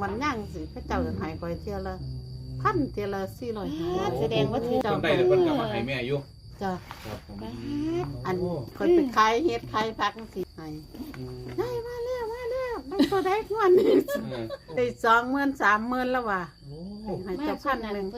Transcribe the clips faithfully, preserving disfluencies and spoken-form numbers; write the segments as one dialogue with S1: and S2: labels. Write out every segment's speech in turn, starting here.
S1: อนย่างสิพระเจ้าจะหายคอยเที่ยวละพันเที่ยวละสี่ร้อยห้าแสดงว่าถือ
S2: เพิ่นได้แล้วเพิ่นก็มาให้แม่อยู่
S1: จ้ะ
S2: ครับผม
S1: อันคอยไปขายเฮ็ดขายผักสิให้ได้มาแล้วมาแล้วมันตัวได้งวดนี้ได้สองหมื่นสามหมื่นแล้วว่ะให้เจ้าพันหนึ่ง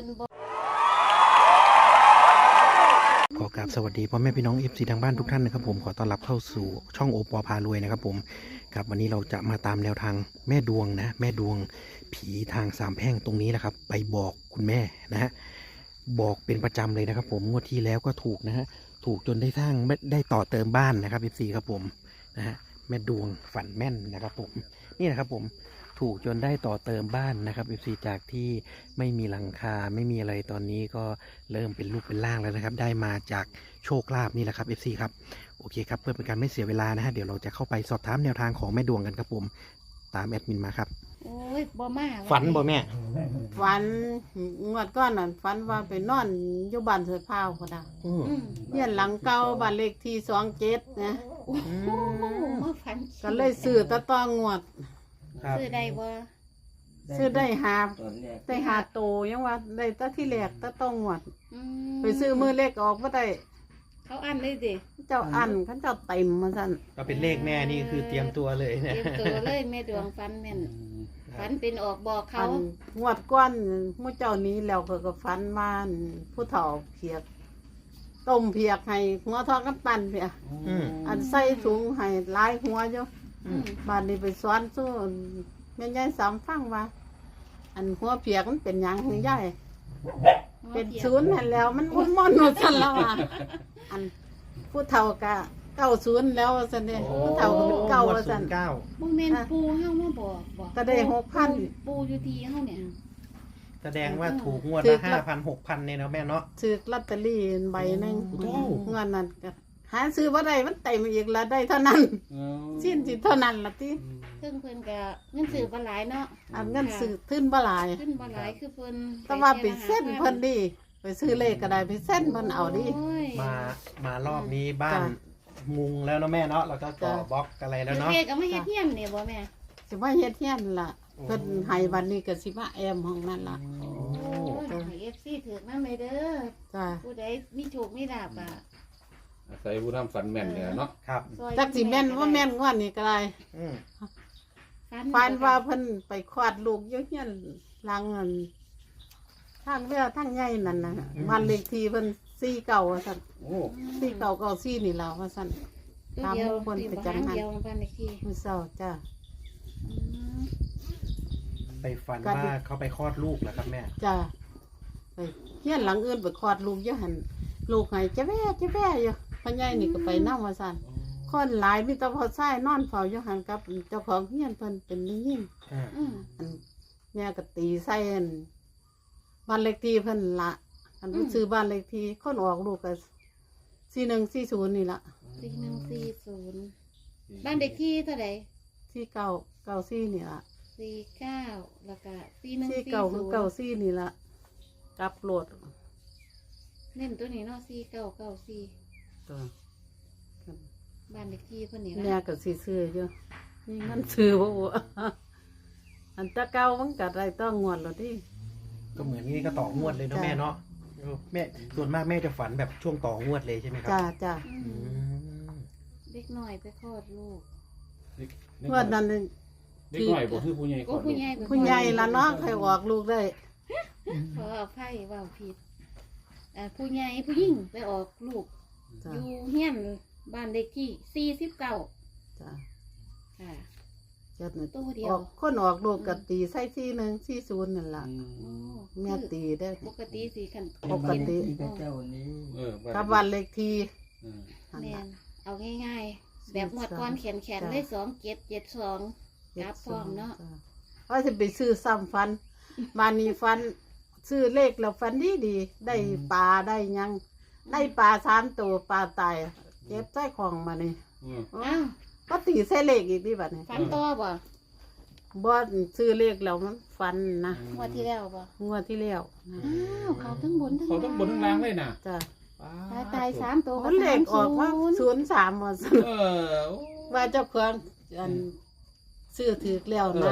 S3: ขอกราบสวัสดีพ่อแม่พี่น้อง เอฟ ซี ทางบ้านทุกท่านนะครับผมขอต้อนรับเข้าสู่ช่องโอปอพารวยนะครับผมครับวันนี้เราจะมาตามแนวทางแม่ดวงนะแม่ดวงผีทางสามแพร่งตรงนี้นะครับไปบอกคุณแม่นะฮะบอกเป็นประจำเลยนะครับผมงวดที่แล้วก็ถูกนะฮะถูกจนได้สร้างได้ต่อเติมบ้านนะครับ เอฟ ซี ครับผมนะฮะแม่ดวงฝันแม่นนะครับผมนี่นะครับผมถูกจนได้ต่อเติมบ้านนะครับ เอฟ ซี จากที่ไม่มีหลังคาไม่มีอะไรตอนนี้ก็เริ่มเป็นรูปเป็นร่างแล้วนะครับได้มาจากโชคลาภนี่แหละครับ เอฟ ซี ครับโอเคครับเพื่อเป็นการไม่เสียเวลานะฮะเดี๋ยวเราจะเข้าไปสอบถามแนวทางของแม่ดวงกันครับผมตามแอดมินมาครับ
S4: โอ้ยบ่มา
S3: ฝันบ่แม่
S1: ฝันงวดก้อนนั่นฝันว่าไปนอนอยู่บ้านเสือพาวก็ได้
S3: อืม
S4: อืม
S1: เฮียนหลังเก่าบ้านเลขที่สองเจ็ดนะ
S4: โอ้โหมาฝัน
S1: ก็เลยซื้อตะตองงวด
S3: ครับ
S4: ซื้อได้บ่
S1: ซื้อได้หาได้หาโตยังว่าได้ตะที่แรกตะต้องงวด
S4: อืม
S1: ไปซื้อมือเล็กออกบ่ได้
S4: เขาอันเลยดิ
S1: เจ้าอันเขาเจ้าเต็มมาสั่น
S3: ก็เป็นเลขแม่นี่คือเตรียมตัวเลย
S4: เต
S3: เนี่ย
S4: รียมตัวเลยแม่ดวงฝันแม่นฝันเป็นออกบอกเขา
S1: อันงวดก้อนหมู่เจ้านี้แล้วเขาก็ฝันว่าอั่นผู้เฒ่าเพียกต้มเพียกให้หัวทอดกับตันเพีย
S3: อืม
S1: อันใส่ถุงให้หลายหัวอยู่
S4: อืม
S1: บ้านนี้ไปสอนสู้แม่ยายสามฟังว่า อันหัวเพียกมันเป็นหยังหือยายเป็นศูนย์นั่นแล้ว มันมุ่นม่อนหมดสั่นแล้วอ่ะอันผู้เฒ่ากะเก้าศูนย์แล้วว่าสั่นเนี่ยผู้เฒ่าก็เป็นเก้าว่าสั่น
S3: เก้า
S4: บ่แม่นปูเฮามาบอกบอก
S1: ก็ได้หกพัน
S4: ปูอยู่ที่เฮาเนี่ย
S3: แสดงว่าถูกงวด
S1: ถู
S3: ละ
S1: ก
S3: ห้าพันหกพันเนี่ยเนาะแม่เนาะ
S1: ซื้อลอตเตอรี่ใบหนึง
S3: โอ้
S1: เงินนั้นก็หาซื้อบ่ได้มันเต็มอีกแล้วได้เท่านั้นสิ้นสิเท่านั้นล่ะติ
S4: ซึ่งเพิ่นก็เงินซื้อบ่หลายเนาะ
S1: อันเงินซื้อทึนบ่หลาย
S4: ขึ้นบ่หลายคือเพิ่น
S1: แต่ว่าไปเส้นเพิ่นดีไปซื้อเลขก็ได้ไปเส้นเพิ่นเอาดิ
S4: โอ้ย
S3: มามารอบนี้บ้าน
S1: จ้ะ
S3: มุงแล้วเนาะแม่เนาะแล้วก็ต่อ
S1: จ้ะ
S3: บล็อกอะไรแล้ว
S4: เดี๋ยว
S3: เนาะ
S4: เฮ็ดก็มาเฮ็ดเฮียนนี่บ่แม่
S1: สิว่าเฮ็ดเฮียนล่ะ
S3: โอ้
S1: เพิ่นให้วันนี้ก็สิมาแอมห้องนั่นล่ะ
S4: โอ้ยให้ เอฟ ซี ถือนำไปเด้อ
S1: จ้า
S4: ผู้ใดมีโชคมีลาภอ่ะ
S2: อาศัยผู้ทำฝันแม่นเนี่ยเนาะ
S3: ครับ
S4: ซอย
S1: จักสิแม่นว่าแม่นกว่านี้ก็ได้
S3: อืม
S1: ฝันว่าเพิ่นไปคลอดลูกอยู่เฮียนหลังนั่นทางเรือทางใหญ่นั่นน่ะบ้านเลขที่เพิ่นสี่เก้าว่าซั่น
S2: โอ้
S1: สี่เก้าเก้าสี่นี่ล่ะว่าซั่น
S4: ตัวเดียว
S1: ตามคนประจำหัน
S4: เดียวบ้านเลขที่
S1: มื้อเช้าจ้า
S4: อืม
S3: ไปฝัน
S1: ก็ดิ
S3: ว่าเขาไปคลอดลูกแล้วครับแม่
S1: จ้าไปเฮียนหลังอื่นไปคลอดลูกอยู่หั่นลูกให้จะแว่จะแว่อยู่พ่อใหญ่นี่ก็ไปนำว่าซั่นคนหลายมีแต่พอใช้นอนเฝ้าอยู่หั่นกับเจ้าของเฮียนเพิ่นเป็นผู้หญิง
S3: อ่า
S4: อืม
S1: อันแม่ก็ตีใส่อันบ้านเลขที่เพิ่นละอันรู้ซื้อบ้านเลขที่คนออกลูกก็สี่หนึ่งสี่ศูนย์นี่ละ
S4: สี่หนึ่งสี่ศูนย์บ้านเลขที่เท่าไหร่
S1: สี่เก้าเก้าสี่นี่ละ
S4: สี่เก้าแล้วก็สี่หนึ่ง
S1: สี่
S4: สี่
S1: เก้า
S4: ศู
S1: คือน
S4: ย์
S1: เก้าสี่นี่ละกลับโหลด
S4: เน้นตัวนี้เนาะสี่เก้าเก้าสี่
S1: ตัว
S4: บ้านเลขที่เพิ่นนี่
S1: แม่
S4: ละ
S1: ก็สีซื้ออยู่นี่มันซื้อบ่วะอันตะเก้ามันก็ได้ต้องงวดแล้วที่
S3: ก็เหมือนนี่ก็ต่องวดเลยเนาะ
S1: จ้ะ
S3: แม่เนาะเออแม่ส่วนมากแม่จะฝันแบบช่วงต่องวดเลยใช่ไหมครั
S1: จ้าจ้า
S4: อื
S3: อื
S4: ม
S3: ม
S4: เด็กน้อยไปคลอดลูก
S1: งวดนั้น
S2: เด็กน้อยบ่คือผู้ใหญ่
S4: โอ้ผู้ใหญ่ไปคลอด
S1: ผู้ใหญ่ละเนาะใครออกลูกได้
S4: ขออภัยว่าผิดเอ่อผู้ใหญ่ผู้หญิงไปออกลูก
S1: จ้า
S4: อยู่เฮียนบ้านเลขที่สี่สิบเก้า
S1: จ้า
S4: ค่ะ
S1: จ้า
S4: ตัวเดีย
S1: อ
S4: ว
S1: อกคนออกลูกก็ตีใส่สี่หนึ่งสี่ศูนย์นั่นล่ะ
S4: โอ้
S1: แม่ตีได้อ
S4: ปกติสี่ขัน
S1: ปกติ
S2: เออ
S1: กับวันเลขที่
S2: เออ
S1: นั่น
S4: แม่
S1: ล่ะ
S4: นเอาง่ายๆ แบบหมวดก้อนแขนแขน
S1: จ้ะ
S4: ได้สองเจ็ดเจ็ดสอง กราฟพร้อมเนาะ
S1: ว่าจะไปซื้อซ้ำฟันมานี่ฟัน ซื้อเลขแล้วฟันดีดีๆได้ปลาได้หยัง ได้ปลาสามตัวปลาตายเก็บใส่ของมานี่
S2: เออ
S4: อ้าว
S1: ก็ตีใส่เลขอีกดิบัดนี้
S4: ฟันต่อบ่
S1: บ่ซื้อเลขแล้วมันฟันนะ
S4: งวดที่แล้วบ่
S1: งวดที่แล้วนะ
S4: อ้าวเขาทั้งบนทั้ง
S2: เขาต้องบนทั้งล่างเลยนะ
S1: จ้ะ
S4: ตายตายสามตัว
S1: มันเลขออกว่า
S4: ศูนย์
S1: ศูนย์สามว่าซั่น
S2: เออ
S1: ว่าเจ้าของอันซื้อถือแล้ว
S2: เอ
S1: นะ
S2: อ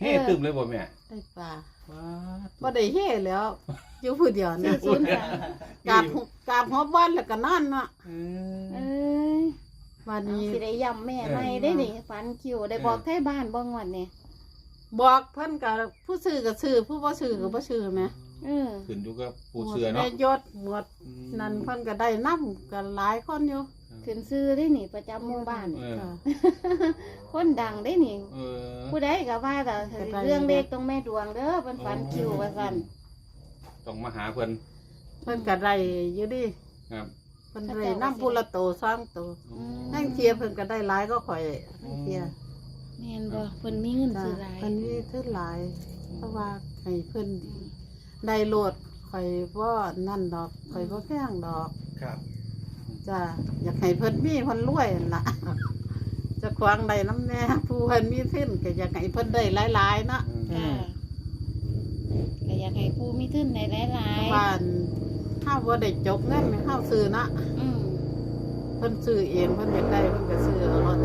S2: เฮ้ตึมเลยบ่แม่
S1: ได้ปลา
S2: ว้า
S1: บ่ได้เฮ่แล้ว อยู่ผู้เดียว
S4: สี่
S1: นะ
S4: ศูนย์สาม
S1: กราบหัวกราบหัวบ้านแล้วก็นอนเนาะ
S2: เอ
S4: เอ
S2: อ้
S4: ย
S1: วัน
S4: เอา
S1: นี้
S4: สิได้ย้ำแม่ใหม่ได้นี่ฝันคิวได้บอกไทบ้านบ่งวดนี่
S1: บอกเพิ่นก็ผู้ซื้อก็ซื้อผู้บ่ซื้อก็บ่ซื้อแหม
S4: เออ
S2: ขึ้นอยู่กับผู้เสือเนาะ
S1: แม่ยศหมดนั่นเพิ่นก็ได้นำกันหลายคนอยู่
S4: ขึ้นซื้อได้นี่ประจำหมู่บ้าน
S2: เออ
S1: จ้ะ
S4: คนดังได้นี่
S2: เออ
S4: ผู้ใดก็ว่าแต่เรื่องเล็กต้องแม่ดวงเด้อเป็นฝันคิวว่าซั่น
S2: ต้องมาหาเพิ่น
S1: เพิ่นก็ได้อยู่ดิ
S2: ครับ
S1: เพิ่นได้นำผู้ละโตสองโตนั่งเทียเพิ่นก็ได้หลายก็ข่อยนั่งเทีย
S4: แม่นบ่เพิ่นมีเงิน
S1: จ้ะ
S4: ซื้อหลาย
S1: เพิ่นมีขึ้นหลาย เพราะว่าให้เพิ่นได้โลดข่อยบ่นั่นดอกข่อยบ่แพงดอก
S3: ครับ
S1: จ้ะอยากให้เพิ่นมีเพิ่นรวยนั่นล่ะ เจะควางได้น้ำแน่ผู้เพิ่นมีขึ้นก็อยากให้เพิ่นได้หลายๆเนาะ
S4: จ้าก็อยากให้ผู้มีทุนในหลาย
S1: บ้านเฮาบ่ได้จกเงินให้เฮาซื้อเนาะ
S4: ๆอืม
S1: เพิ่นซื้อเองเพิ่นอยากได้เพิ่นก็ซื้อเอาเนาะ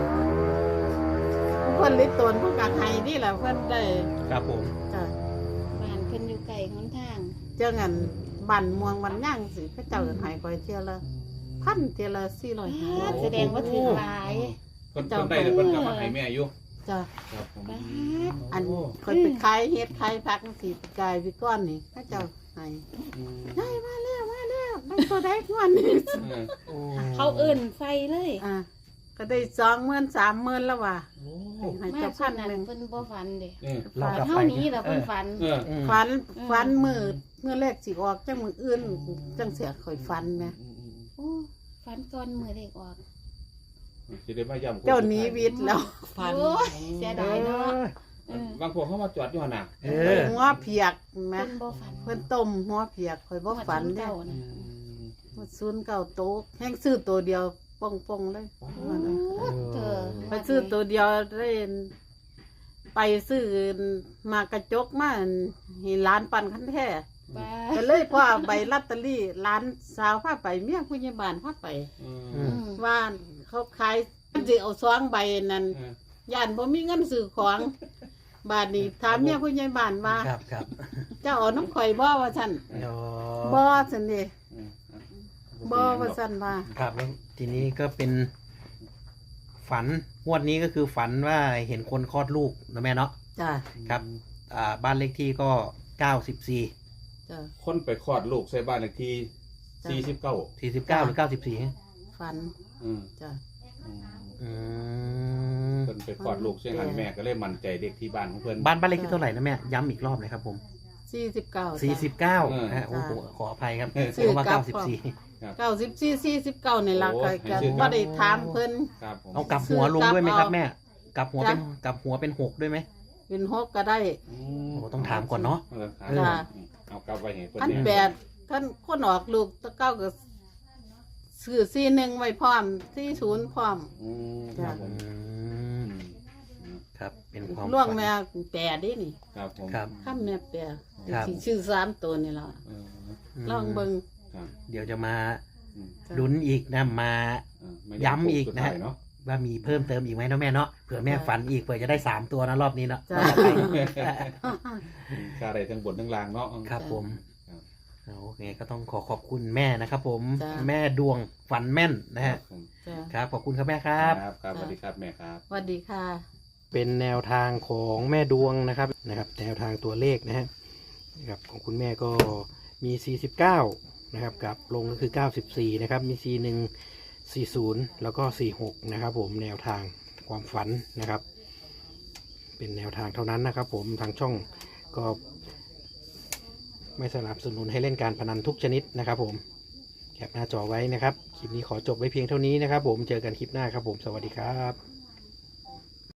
S1: เพิ่นลิตนเพิ่นก็ให้นี่แหละเพิ่นได้
S3: ครับผม
S1: จ้ะ
S4: บ้านเพิ่นอยู่ไกลหนทาง
S1: เจ้างันบ้านม่วงบ้านย่างสิเขาเจ้าก็ให้ข่อยเที่ยละพันเที่ยละสี่ร้อยห้า
S4: อ้าแสดงว่าถือหลาย
S2: เพิ่นเพิ่นได้แต่เพิ่นก็มาให้แม่อยู่
S1: จ้ะ
S2: ครับผม
S4: บ้าด
S1: อันข่อยไปขายเฮ็ดขายผักสิกายพี่ก้อนนี่เขาเจ้าให้
S2: อืม
S1: ได้มาแล้วมาแล้วได้ตัวได้งวดนี้
S2: เออ
S3: โอ้
S4: เขาเอิ่นไฟเลย
S1: อ่ะก็ได้สองหมื่นสามหมื่นแล้วว่ะ
S3: โอ้
S1: ให้
S4: มา
S1: เจ้า
S4: ส่
S1: พั
S4: วน
S1: น
S4: นั้น
S1: หนึ่ง
S4: เพิ่นบ่ฝันเด้
S2: เออ
S3: เรากลับ
S4: เท่า
S3: ไป
S4: นี้แหละเพิ่นฝัน
S2: เออ
S3: อืม
S1: ฟัน
S4: อืม
S1: ฟันมือเมื่อแรกสิออกจังมืออื่นจังเสียข่อยฟันแหม
S4: โอ้ฝันก่อนมื้อเด็กออก
S2: สิได้มาย้ำ
S1: เจ้าหนี้วิทย์แล้วฟัน
S4: โอ้ยเสียดายเนาะเออบ
S2: างพวกเขามาจอดอยู่หั่นน่ะ
S3: เอ
S1: เพิ่
S3: อน
S1: หัวเพียกแหม
S4: เพิ่นบ่ฝัน
S1: เพิ่นต้มหัวเพียกข่อยบ่ฝันเด้
S4: เก่านะ
S1: ศูนย์เก้าโต๊ะแห้งซื้อตัวเดียวป่องป่องๆเลย
S4: โอ้เธอ
S1: ไปซื้อตัวเดียวได้ไปซื้อมากระจกมาให้ร้านปั่นคันแท้
S4: บ้า
S1: ก็เลยพ่อใบลอตเตอรี่ร้านสาวพาไปเมียผู้ใหญ่บ้านพาไป
S2: เอ
S3: อื
S2: อ
S3: ม
S1: ว่าเขาขายสิเอาซองใบนั้น
S2: เออย่
S1: านบ่มีเงินซื้อของบาดนี้ถามเมียผู้ใหญ่บ้านว่า
S3: ครับครับ
S1: เจ้าเอาน้ำข่อยบ่ว่าซั่น
S3: โอ้
S1: บ่ซั่นเด้
S2: เออ
S1: บ่ว่าซั่นว่า
S3: ครับแล้วทีนี้ก็เป็นฝันงวดนี้ก็คือฝันว่าเห็นคนคลอดลูกนะแม่เนาะ
S1: จ้ะ
S3: ครับ อ่าบ้านเลขที่ก็เก้าสิบสี่
S1: จ้ะ
S2: คนไปคลอดลูกใส่บ้านเลขที่
S1: จ้ะ
S2: สี่สิบเก้า
S3: สี่สิบเก้าหรือเก้าสิบสี่
S1: ฝัน
S2: อืม
S1: จ้ะ
S2: อืม
S3: อืม
S2: เพิ่นไปคลอดลูกเสียงหันแม่ก็เลยมั่นใจเด็กที่บ้านของเพิ่น
S3: บ้านบ้านเลขที่เท่าไหร่นะแม่ย้ำอีกรอบเลยครับผม
S1: สี่สิบเก้า
S3: สี่สิบเก้า
S2: เออ
S3: ฮะโอ้โหขออภัยครับ
S1: สี่
S3: เพราะว่า
S1: เก้า
S3: เก้าสิบสี่
S1: เก้าสิบสี่สี่สิบเก้านี่ล่ะ
S2: โอ้
S1: ก็
S2: ให้
S1: ก็
S2: ซื้อ
S1: บ่ได้ถามเพิ่น
S2: ครับผม
S3: เอากลับหัวลงด้วยไหมครับแม่กลับหัวเป็น
S1: จ้ะ
S3: กลับหัวเป็นหกด้วยไหม
S1: เป็นหกก็ได้
S2: อืม
S3: โอ้ต้องถามก่อนเนาะ
S2: เออถาม
S1: จ้ะ
S2: เอากลับไปให้เพิ่น
S1: พัน
S2: เนี่ย
S1: แปดท่านคนออกลูกตะเก้าก็ซื้อสี่หนึ่งไว้พร้อมสี่ศูนย์พร้อม
S2: อืมครับผ
S3: อื
S2: ม
S3: ม
S2: อืม
S3: ครับเป็นความ
S1: ล่วง
S3: ฝัน
S1: แม่แปดดินี่
S2: ครับผม
S3: ครับ
S1: ข้ามแม่แปด
S3: ครับ
S1: สิชื่อสามตัวนี่ล่ะ
S2: เออ
S1: ลองเบิ่ง
S2: ครับ
S3: เดี๋ยวจะมา
S2: อืม
S3: ลุ้นอีกนะมา
S2: เออไม่
S3: ย้ำอีกนะ
S2: สุดท้ายเนาะ
S3: ว่ามีเพิ่มเติมอีกไหมเนาะแม่เนาะเผื่อแม่ฝันอีกเผื่อจะได้สามตัวนะรอบนี้เนาะ
S1: จ้ะ
S2: ค่าได้ทั้งบนทั้งล่างเนาะ
S3: ครับผม
S2: ครับ
S3: เอาโอเคก็ต้องขอขอบคุณแม่นะครับผม
S1: จ้ะ
S3: แม่ดวงฝันแม่นนะฮะ
S2: ผม
S1: จ้ะ
S3: ครับขอบคุณครับแม่ครับ
S2: ครับครับสวัสดีครับแม่ครับ
S1: สวัสดีค่ะ
S3: เป็นแนวทางของแม่ดวงนะครับนะครับ แนวทางตัวเลขนะฮะนะครับของคุณแม่ก็มี สี่สิบเก้า นะครับกับลงก็คือ เก้าสิบสี่ นะครับมี สี่หนึ่ง สี่ศูนย์ แล้วก็ สี่หก นะครับผมแนวทางความฝันนะครับ เป็นแนวทางเท่านั้นนะครับผมทางช่องก็ไม่สนับสนุนให้เล่นการพนันทุกชนิดนะครับผมแคปหน้าจอไว้นะครับคลิปนี้ขอจบไว้เพียงเท่านี้นะครับผมเจอกันคลิปหน้าครับผมสวัสดีครับ